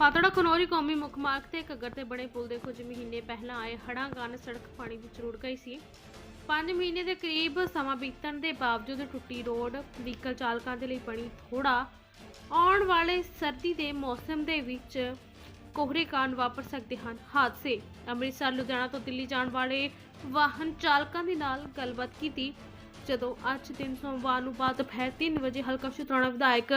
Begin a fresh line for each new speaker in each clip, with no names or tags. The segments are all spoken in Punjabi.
ਪਾਤੜਾ ਕਨੌਰੀ ਕੌਮੀ ਮੁੱਖ ਮਾਰਗ ਤੇ ਘੱਗਰ ਤੇ ਬਣੇ ਪੁਲ ਦੇ ਕੁਝ ਮਹੀਨੇ ਪਹਿਲਾਂ ਆਏ ਹੜ੍ਹਾਂ ਕਾਰਨ ਸੜਕ ਪਾਣੀ ਵਿੱਚ ਰੁੜ ਗਈ ਸੀ। 5 ਮਹੀਨੇ ਦੇ ਕਰੀਬ ਸਮਾਂ ਬੀਤਣ ਦੇ ਬਾਵਜੂਦ ਟੁੱਟੀ ਰੋਡ ਵਹੀਕਲ ਚਾਲਕਾਂ ਦੇ ਲਈ ਬਣੀ ਥੋੜਾ ਆਉਣ ਵਾਲੇ ਸਰਦੀ ਦੇ ਮੌਸਮ ਦੇ ਵਿੱਚ ਕੋਹਰੇ ਕਾਰਨ ਵਾਪਰ ਸਕਦੇ ਹਨ ਹਾਦਸੇ। ਅੰਮ੍ਰਿਤਸਰ ਲੁਧਿਆਣਾ ਤੋਂ ਦਿੱਲੀ ਜਾਣ ਵਾਲੇ ਵਾਹਨ ਚਾਲਕਾਂ ਦੇ ਨਾਲ ਗੱਲਬਾਤ ਕੀਤੀ ਜਦੋਂ ਅੱਜ ਦਿਨ ਸੋਮਵਾਰ ਨੂੰ ਬਾਅਦ ਦੁਪਹਿਰ 3 ਵਜੇ ਹਲਕਾ ਸ਼ੁਤਰਾਣਾ ਵਿਧਾਇਕ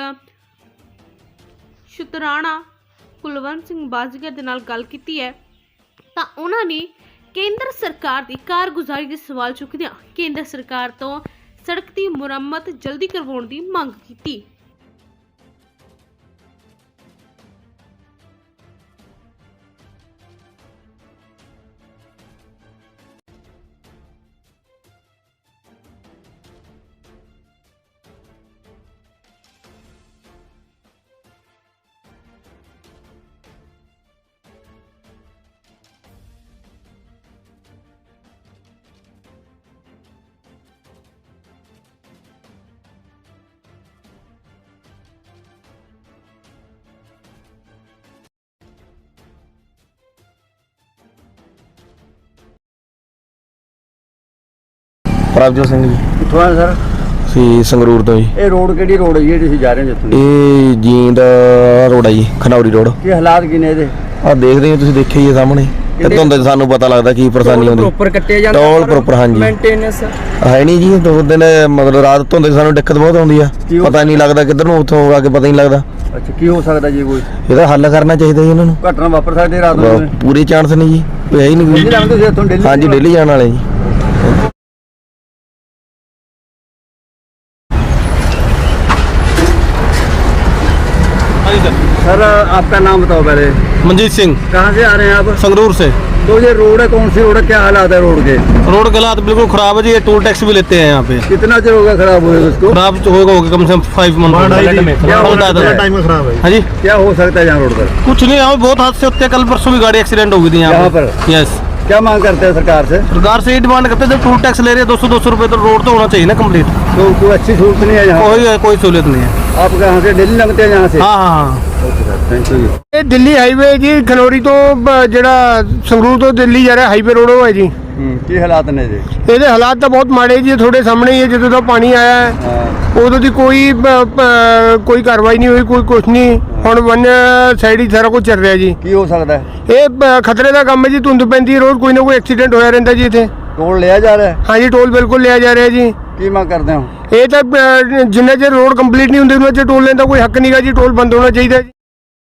ਸ਼ੁਤਰਾਣਾ ਕੁਲਵੰਤ ਸਿੰਘ ਬਾਜੀਗਰ ਦੇ ਨਾਲ ਗੱਲ ਕੀਤੀ ਹੈ ਤਾਂ ਉਹਨਾਂ ਨੇ ਕੇਂਦਰ ਸਰਕਾਰ ਦੀ ਕਾਰਗੁਜ਼ਾਰੀ ਦੇ ਸਵਾਲ ਚੁੱਕਦਿਆਂ ਕੇਂਦਰ ਸਰਕਾਰ ਤੋਂ ਸੜਕ ਦੀ ਮੁਰੰਮਤ ਜਲਦੀ ਕਰਵਾਉਣ ਦੀ ਮੰਗ ਕੀਤੀ।
ਪ੍ਰਭਜੋਤ ਸਿੰਘ ਜੀ।
ਕਿੱਥੋਂ ਆਏ ਸਰ?
ਅਸੀਂ ਸੰਗਰੂਰ ਤੋਂ ਜੀ।
ਇਹ ਰੋਡ ਕਿਹੜੀ ਰੋਡ ਹੈ ਜੀ ਤੁਸੀਂ ਜਾ ਰਹੇ ਹੋ ਜਿੱਥੋਂ?
ਇਹ ਜੀਂਦ ਰੋਡ ਹੈ ਜੀ, ਖਨੌਰੀ ਰੋਡ।
ਕੀ ਹਾਲਾਤ ਕੀ ਨੇ ਇਹਦੇ?
ਆਹ ਦੇਖਦੇ ਹੋ ਤੁਸੀਂ, ਦੇਖਿਆ ਹੀ ਹੈ ਸਾਹਮਣੇ। ਕਿੱਥੋਂ ਦੇ ਸਾਨੂੰ ਪਤਾ ਲੱਗਦਾ ਕੀ ਪਰੇਸ਼ਾਨੀ ਆਉਂਦੀ।
ਪ੍ਰੋਪਰ ਕੱਟੇ ਜਾਂਦੇ
ਟੋਲ ਪ੍ਰੋਪਰ, ਹਾਂਜੀ।
ਮੇਨਟੇਨੈਂਸ
ਹੈ ਨਹੀਂ ਜੀ, 2 ਦਿਨ ਮਤਲਬ ਰਾਤ ਧੁੰਦ ਸਾਨੂੰ ਦਿੱਕਤ ਬਹੁਤ ਆਉਂਦੀ ਆ। ਪਤਾ ਨਹੀਂ ਲੱਗਦਾ ਕਿੱਧਰ ਨੂੰ, ਉੱਥੋਂ ਆ ਕੇ ਪਤਾ ਨਹੀਂ ਲੱਗਦਾ।
ਅੱਛਾ, ਕੀ ਹੋ ਸਕਦਾ ਜੀ? ਕੋਈ
ਇਹਦਾ ਹੱਲ ਕਰਨਾ ਚਾਹੀਦਾ ਜੀ ਇਹਨਾਂ ਨੂੰ।
ਘਟਨਾ ਵਾਪਰ ਸਕਦੀ ਰਾਤ ਨੂੰ?
ਪੂਰੇ ਚਾਂਸ ਨਹੀਂ ਜੀ, ਕੋਈ ਹੈ ਹੀ ਨਹੀਂ।
ਤੁਸੀਂ ਇੱਥੋਂ ਦਿੱਲੀ?
ਹਾਂਜੀ, ਦਿੱਲੀ ਜਾਣ ਵਾਲੇ ਜੀ।
सर आपका नाम बताओ पहले।
मंजीत सिंह,
कहाँ से आ रहे हैं आप?
संगरूर से।
तो ये रोड है, कौन सी रोड है, क्या हालात है रोड के?
रोड के हालात बिल्कुल खराब है जी, ये टोल टैक्स भी लेते हैं यहाँ पे।
कितना देर होगा खराब हुए उसको?
खराब होगा कम से कम 5 मंथ।
टाइम खराब है।
हाँ जी,
क्या हो सकता है यहाँ रोड पर?
कुछ नहीं, यहाँ पे बहुत हादसे होते हैं। कल परसों भी गाड़ी एक्सीडेंट हो गई थी यहाँ
पर।
यस।
क्या मांग करते हैं सरकार से?
सरकार से ये डिमांड करते हैं, जब टोल टैक्स ले रहे हैं 200 रुपए, तो रोड तो होना चाहिए ना कम्प्लीट।
तो कोई अच्छी सहूलत नहीं है यहाँ?
कोई सहूलियत नहीं है।
आप कहाँ से? दिल्ली लगते हैं यहाँ से?
हाँ हाँ।
Thank you.
ਇਹ ਦਿੱਲੀ ਹਾਈਵੇ ਜੀ, ਖਨੌਰੀ ਤੋਂ ਜਿਹੜਾ ਸੰਗਰੂਰ ਤੋਂ ਦਿੱਲੀ ਜਾ ਰਿਹਾ ਹਾਈਵੇ ਰੋਡ ਉਹ ਹੈ ਜੀ।
ਕੀ ਹਾਲਾਤ ਨੇ ਜੀ?
ਇਹਦੇ ਹਾਲਾਤ ਤਾਂ ਬਹੁਤ ਮਾੜੇ ਜੀ, ਤੁਹਾਡੇ ਸਾਹਮਣੇ ਹੀ ਹੈ। ਜਦੋਂ ਦਾ ਪਾਣੀ ਆਇਆ ਹੈ ਉਦੋਂ ਦੀ ਕੋਈ ਕਾਰਵਾਈ ਨਹੀਂ ਹੋਈ, ਕੋਈ ਕੁਛ ਨਹੀਂ। ਹੁਣ ਵਨ ਸਾਈਡ ਹੀ ਸਾਰਾ ਕੁਝ ਚੱਲ ਰਿਹਾ ਜੀ।
ਕੀ ਹੋ ਸਕਦਾ ਹੈ?
ਇਹ ਖਤਰੇ ਦਾ ਕੰਮ ਹੈ ਜੀ, ਧੁੰਦ ਪੈਂਦੀ ਹੈ, ਰੋਜ਼ ਕੋਈ ਨਾ ਕੋਈ ਐਕਸੀਡੈਂਟ ਹੋਇਆ ਰਹਿੰਦਾ ਜੀ ਇੱਥੇ।
ਟੋਲ ਲਿਆ ਜਾ ਰਿਹਾ ਹੈ?
ਹਾਂਜੀ, ਟੋਲ ਬਿਲਕੁਲ ਲਿਆ ਜਾ ਰਿਹਾ ਜੀ।
ਕੀ ਮੰਗ ਕਰਦੇ ਹੋ?
ਇਹ ਤਾਂ ਜਿੰਨਾ ਚਿਰ ਰੋਡ ਕੰਪਲੀਟ ਨਹੀਂ ਹੁੰਦੀ ਉਹਨਾਂ ਚਿਰ ਟੋਲ ਲੈਣ ਦਾ ਕੋਈ ਹੱਕ ਨਹੀਂਗਾ ਜੀ। ਟੋਲ ਬੰਦ ਹੋਣਾ ਚਾਹੀਦਾ ਜੀ।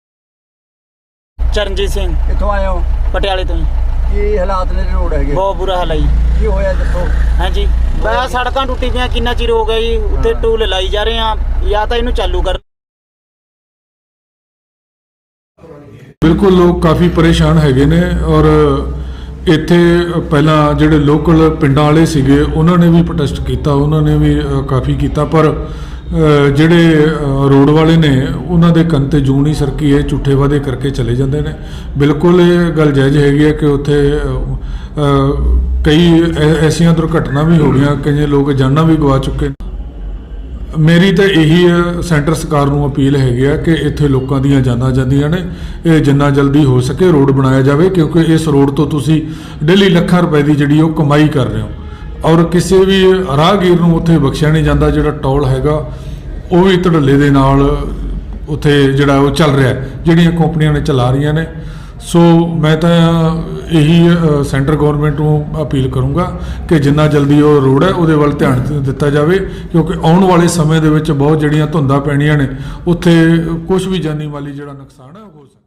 ਚਰਨਜੀਤ ਸਿੰਘ,
ਕਿੱਥੋਂ ਆਏ ਹੋ?
ਪਟਿਆਲੇ ਤੋਂ।
ਕੀ ਹਾਲਾਤ ਨੇ ਰੋਡ ਹੈਗੇ?
ਬਹੁਤ ਬੁਰਾ ਹਾਲ ਹੈ ਜੀ।
ਕੀ ਹੋਇਆ ਦੱਸੋ?
ਹਾਂਜੀ, ਬਸ ਸੜਕਾਂ ਟੁੱਟੀ ਪਈਆਂ, ਕਿੰਨਾ ਚਿਰ ਹੋ ਗਿਆ ਜੀ। ਉੱਤੇ ਟੂਲ ਲਾਈ ਜਾ ਰਹੇ ਆ, ਜਾਂ ਤਾਂ ਇਹਨੂੰ ਚਾਲੂ ਕਰ।
ਬਿਲਕੁਲ ਲੋਕ ਕਾਫੀ ਪਰੇਸ਼ਾਨ ਹੈਗੇ ਨੇ। ਔਰ ਇੱਥੇ ਪਹਿਲਾਂ ਜਿਹੜੇ ਲੋਕਲ ਪਿੰਡਾਂ ਵਾਲੇ ਸੀਗੇ ਉਹਨਾਂ ਨੇ ਵੀ ਪ੍ਰੋਟੈਸਟ ਕੀਤਾ, ਉਹਨਾਂ ਨੇ ਵੀ ਕਾਫੀ ਕੀਤਾ, ਪਰ ਜਿਹੜੇ ਰੋਡ ਵਾਲੇ ਨੇ ਉਹਨਾਂ ਦੇ ਕੰਨ ਤੇ ਜੂੰ ਨਹੀਂ ਸਰਕੀ। ਇਹ ਝੂਠੇ ਵਾਅਦੇ ਕਰਕੇ ਚਲੇ ਜਾਂਦੇ ਨੇ। ਬਿਲਕੁਲ ਇਹ ਗੱਲ ਜਾਇਜ਼ ਹੈਗੀ ਹੈ ਕਿ ਉੱਥੇ ਕਈ ਐਸੀਆਂ ਦੁਰਘਟਨਾ ਵੀ ਹੋ ਗਈਆਂ, ਕਈ ਲੋਕ ਜਾਨਾਂ ਵੀ ਗਵਾ ਚੁੱਕੇ ਨੇ। ਮੇਰੀ ਤਾਂ ਇਹੀ ਸੈਂਟਰ ਸਰਕਾਰ ਨੂੰ ਅਪੀਲ ਹੈਗੀ ਆ ਕਿ ਇੱਥੇ ਲੋਕਾਂ ਦੀਆਂ ਜਾਨਾਂ ਜਾਂਦੀਆਂ ਨੇ, ਇਹ ਜਿੰਨਾ ਜਲਦੀ ਹੋ ਸਕੇ ਰੋਡ ਬਣਾਇਆ ਜਾਵੇ, ਕਿਉਂਕਿ ਇਸ ਰੋਡ ਤੋਂ ਤੁਸੀਂ ਡੇਲੀ ਲੱਖਾਂ ਰੁਪਏ ਦੀ ਜਿਹੜੀ ਉਹ ਕਮਾਈ ਕਰ ਰਹੇ ਹੋ। ਔਰ ਕਿਸੇ ਵੀ ਰਾਹਗੀਰ ਨੂੰ ਉੱਥੇ ਬਖਸ਼ਿਆ ਨਹੀਂ ਜਾਂਦਾ। ਜਿਹੜਾ ਟੋਲ ਹੈਗਾ ਉਹ ਵੀ ਧੜੱਲੇ ਦੇ ਨਾਲ ਉੱਥੇ ਜਿਹੜਾ ਉਹ ਚੱਲ ਰਿਹਾ, ਜਿਹੜੀਆਂ ਕੰਪਨੀਆਂ ਨੇ ਚਲਾ ਰਹੀਆਂ ਨੇ। ਸੋ ਮੈਂ ਤਾਂ ਇਹੀ ਸੈਂਟਰ ਗਵਰਨਮੈਂਟ ਨੂੰ ਅਪੀਲ ਕਰੂੰਗਾ ਕਿ ਜਿੰਨਾ ਜਲਦੀ ਉਹ ਰੋਡ ਹੈ ਉਹਦੇ ਵੱਲ ਧਿਆਨ ਦਿੱਤਾ ਜਾਵੇ, ਕਿਉਂਕਿ ਆਉਣ ਵਾਲੇ ਸਮੇਂ ਦੇ ਵਿੱਚ ਬਹੁਤ ਜਿਹੜੀਆਂ ਧੁੰਦਾਂ ਪੈਣੀਆਂ ਨੇ, ਉੱਥੇ ਕੁਝ ਵੀ ਜਾਨੀ ਮਾਲੀ ਜਿਹੜਾ ਨੁਕਸਾਨ ਹੈ ਉਹ ਹੋ ਸਕਦਾ।